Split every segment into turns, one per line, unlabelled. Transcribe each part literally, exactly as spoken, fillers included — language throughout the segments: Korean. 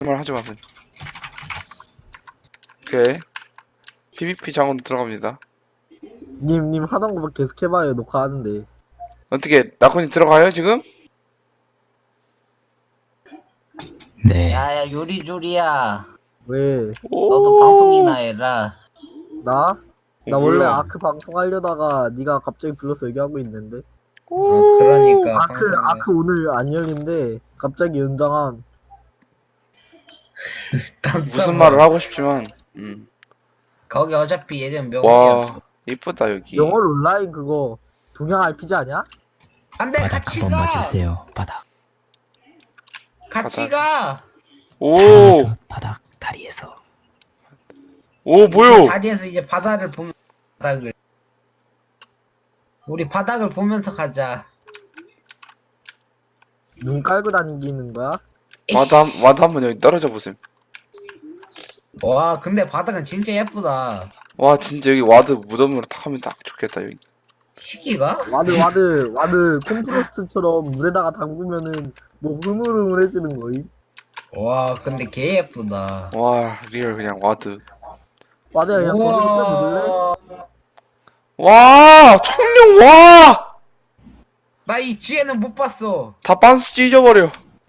말 하지 마세요. 오케이. 피브이피 장으로 들어갑니다.
님, 님 하던 거 계속 해봐요. 녹화하는데.
어떻게 나콘이 들어가요 지금?
네.
야야 요리조리야
왜?
너도 방송이나 해라.
나? 나
어,
원래
뭐야?
아크 방송하려다가 네가 갑자기 불러서 얘기하고 있는데.
어, 그러니까
아크,
방송을-
아크 오늘 안 열린데 갑자기 연장함.
딴
무슨
사람.
말을 하고 싶지만 음.
거기 어차피 예전 명이야.
와 이쁘다 여기.
영월 온라인 그거 동양 알피지 아니야?
안돼
바닥
같이
한번
가.
맞으세요. 바닥.
같이
바닥.
가.
오!
다리에서, 바닥 다리에서.
오 뭐요?
다리에서 이제 바다를 보면 바닥을. 우리 바닥을 보면서 가자.
눈 깔고 다니는 거야?
와드 한, 와드 한번 여기 떨어져 보세요.
와 근데 바닥은 진짜 예쁘다.
와 진짜 여기 와드 무덤으로 탁 하면 딱 좋겠다 여기.
시기가?
와드 와드 와드 콤프로스트처럼 물에다가 담그면은 뭐 흐물흐물해지는 거임.
와 근데 개 예쁘다.
와 리얼 그냥 와드.
와드야 그냥 거기서 묻을래?
우와.
와 청룡 와!
나 이 뒤에는 못 봤어.
다 빤스 찢어버려.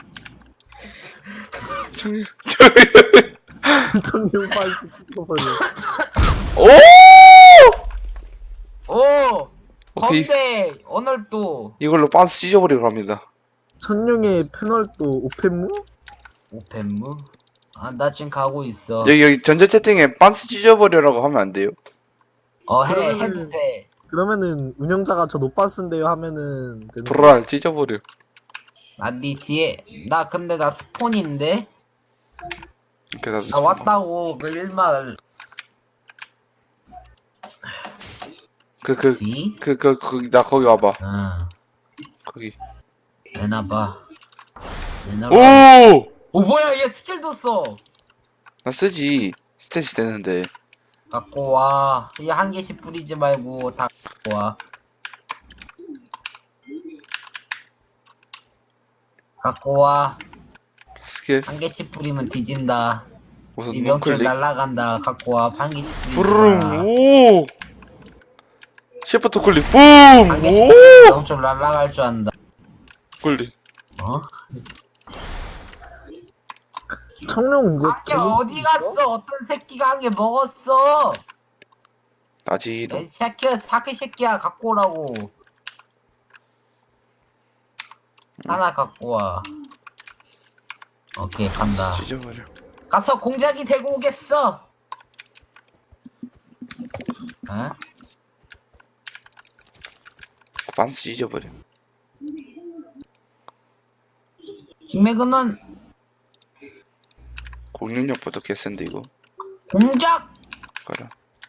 청룡 청룡
청룡 반스 찍어버려.
오!
오.
오케이
건데 오늘 또
이걸로 빤스 찢어버리러 갑니다.
천룡의 패널도 오펜무?
오펜무? 아 나 지금 가고 있어.
여기 여기 전체 채팅에 빤스 찢어버려라고 하면 안 돼요?
어 해
그러면은-
해도 돼.
그러면은 운영자가 저 노반스인데요 하면은 되는 거야.
불알 찢어버려.
나네 뒤에 나 근데 나 스폰인데
이렇게 나도
나 왔다고 그 일말
그그
뒤?
그 그 그 나 거기 와봐.
아
거기.
내놔봐. 내놔봐.
오!
오 뭐야 얘 스킬도 써.
나 쓰지. 스탯이 되는데.
갖고 와. 이 한 개씩 뿌리지 말고 다 갖고 와. 갖고 와.
스킬
한 개씩 뿌리면 뒤진다.
우선
이 명줄
우클릭.
날라간다. 갖고 와. 한 개씩 뿌리지
부르릉
마.
오! 시프트 클릭 붐!
한 개씩
오!
뿌리면 명줄 날라갈 줄 안다.
클릭.
어?
청룡 이거
아까 어디 갔어? 어떤 새끼가 한 개 먹었어?
나지 너.
이 새끼야 사기 새끼야 갖고 오라고. 하나 갖고 와. 오케이 간다.
찢어버려.
가서 공작이 되고 오겠어. 어?
반스 찢어버려.
김매근은
공격력부터 개센데 이거.
공작.
가라.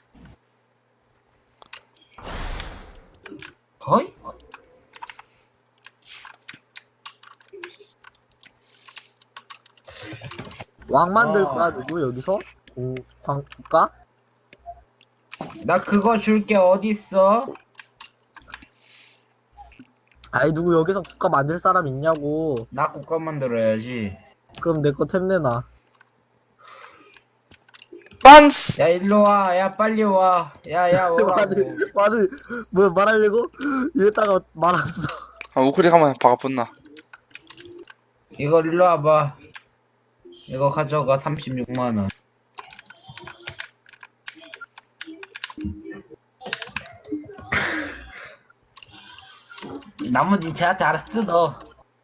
어이?
왕 만들
어.
거야 누구 여기서? 오, 광 국가?
나 그거 줄게 어디 있어?
아이 누구 여기서 국가 만들 사람 있냐고.
나 국가 만들어야지.
그럼 내 거 템 내놔.
반스!
야 일로 와. 야 빨리 와. 야야 오라고.
와드 와드 뭐야 말하려고? 이랬다가 말았어.
아 우클릭 한번 박아붙나.
이거 일로 와봐. 이거 가져가 삼십육만 원. 나머지 쟤한테 알아서 뜯어.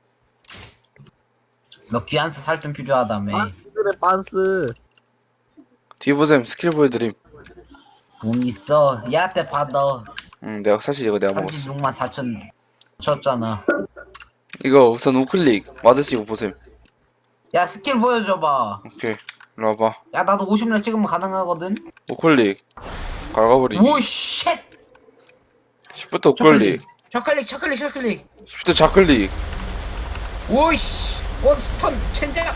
너 귀한스 살 좀 필요하다며.
반스들의 반스.
뒤에 보셈 스킬 보여드림.
돈 있어. 얘한테 받아.
응 내가 사실 이거 내가 먹었어.
삼십육만 사천 쳤잖아.
이거 우선 우클릭 와드 씌고 보셈.
야 스킬 보여줘봐.
오케이 일로 와봐.
야 나도 오십 렙 찍으면 가능하거든.
우클릭 갈가버리기.
오 쉣.
시프트 우클릭.
저클릭 저클릭 저클릭.
시프트 좌클릭.
오이씨. 원스턴 첸장.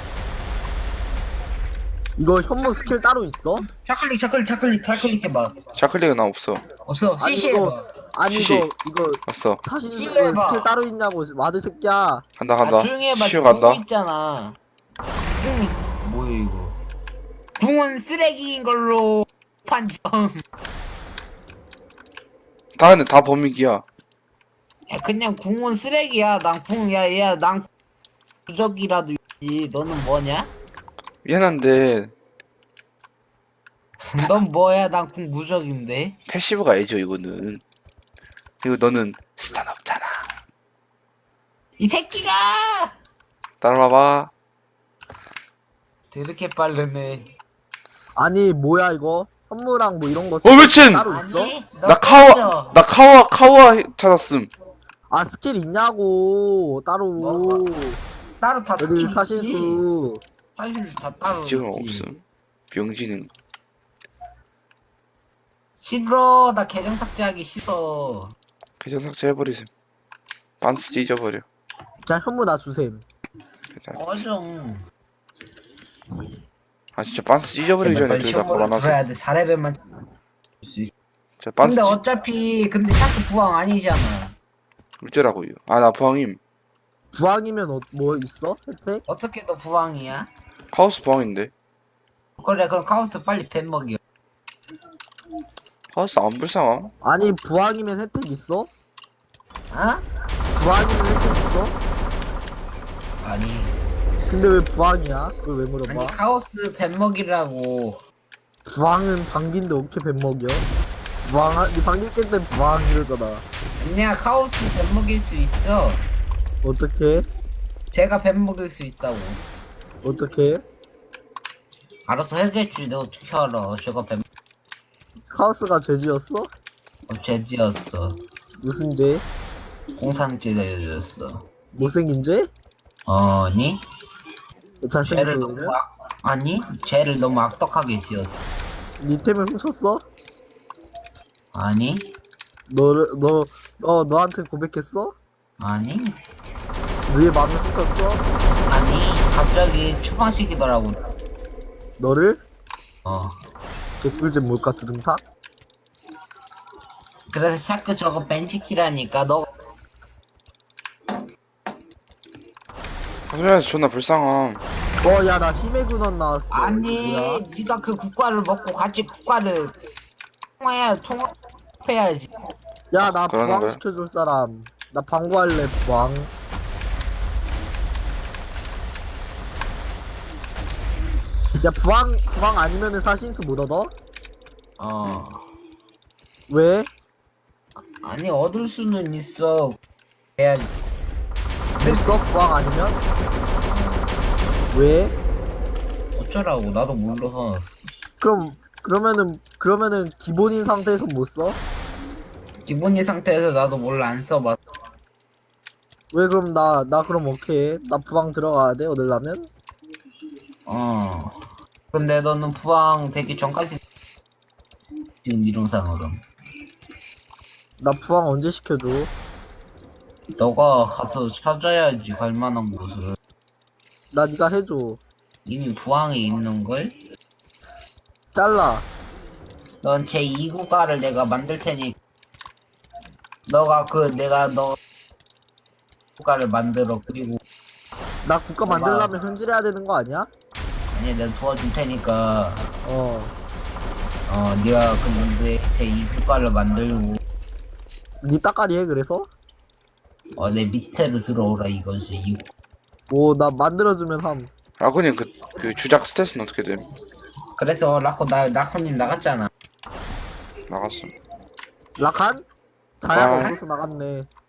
이거 현무 스킬 따로 있어?
저클릭 저클릭 저클릭 저클릭 해봐.
좌클릭은 나 없어.
없어.
아니,
씨씨
이거-
해봐.
아니
시시.
이거 이거
없어.
사실
시시
이거
해봐.
스킬 따로 있냐고 와드 새끼야.
간다
아
간다.
조용히 해봐.
시우
보고
간다.
있잖아. 조용히. 뭐야 이거? 궁은 쓰레기인 걸로 판정.
다 근데 다 범위기야.
야, 그냥 궁은 쓰레기야. 난 궁, 야, 야, 난 부적이라도 있지. 너는 뭐냐?
미안한데
넌 뭐야? 난 궁 무적인데.
패시브가 애죠 이거는. 그리고 너는 스탄 없잖아.
이 새끼가!
따라와봐.
되게 빠르네.
아니 뭐야 이거 선물랑 뭐 이런 거
어 미친!
따로 있어?
아니, 너
나 카와
꺼져.
나 카와 카와 찾았음.
아 스킬 있냐고 따로
뭐? 따로 다
여기
스킬 있지.
사신수
사실 다 따로
지금
있지.
없음. 병지는
싫어. 나 계정 삭제하기 싫어.
계정 삭제해버리셈. 반스 찢어버려.
그냥 현무 나 주셈.
괜찮아.
꺼져.
아 진짜 반스 찢어버리기 전에 둘 다 걸어놨어.
들어야 돼. 사 레벨만 수 있어.
저 반스
근데
찢...
어차피 근데 샤크 부왕 아니잖아.
어쩌라고요. 아 나 부항임.
부항이면 어, 뭐 있어? 혜택?
어떻게 너 부왕이야?
하우스 부항인데.
그래 그럼 카오스 빨리 뱀 먹여.
하우스 안 불쌍함?
아니 부항이면 혜택 있어?
어?
부항이면 혜택 있어?
아니
근데 왜 부항이야? 그걸 왜 물어봐?
아니 카오스 뱀 먹이라고.
부항은 방귀인데 어떻게 뱀 먹여? 부항, 니 방귀 깰때 부항 이러잖아.
아니야 카오스 뱀 먹일 수 있어.
어떻게?
제가 뱀 먹일 수 있다고.
어떻게?
알아서 해겠지. 너 어떻게 알아? 제가 뱀
카오스가 죄지었어?
어, 죄지었어.
무슨 죄?
공산죄 내줬어.
못생긴 죄?
아니? 죄를 너무
잘생겼어.
악, 아니? 죄를 너무 악덕하게 지었어.
니 템을 훔쳤어?
아니?
너를 너 너 너한테 고백했어?
아니?
너의 마음을 훔쳤어?
아니? 갑자기 추방시키더라고.
너를?
어.
개꿀잼 뭘까 두둥탁?
그래서 자꾸 저거 벤치키라니까. 너
하면서 존나 불쌍함.
어 야 나 힘의 근원 나왔어.
아니
이거 뭐야?
네가 그 국과를 먹고 같이 국과를 통화해야 통합해야지.
야 나
그러는
부항
거야?
시켜줄 사람. 나 방구할래 부항. 야 부항 부항 아니면은 사신수 못 얻어?
어.
왜?
아니 얻을 수는 있어. 해야지.
됐어 부항 아니면? 왜?
어쩌라고 나도 몰라서.
그럼 그러면은 그러면은 기본인 상태에서 못 써?
기본인 상태에서 나도 몰라 안 써봤어.
왜 그럼 나 나 그럼 오케이 나 부항 들어가야 돼 얻으려면?
어. 근데 너는 부항 되기 전까지 지금 이론상으로
나 부항 언제 시켜줘?
너가 가서 찾아야지 갈 만한 곳을.
나 니가 해줘.
이미 부항에 있는 걸.
잘라.
넌 제이 국가를 내가 만들 테니 너가 그 내가 너 국가를 만들어. 그리고
나 국가
뭐가-
만들려면 현질해야 되는 거 아니야?
아니 내가 도와줄 테니까
어.
어 네가 근데 제이 국가를 만들고
니 따까리 해 그래서?
어 내 밑에로 들어오라 이거지. 이-
오 나 만들어주면 함.
라코님 그, 그 주작 스탯은 어떻게 됨?
그래서 라코 나 라코님 나갔잖아.
나갔어.
라칸? 자야가
아.
없어서 나갔네.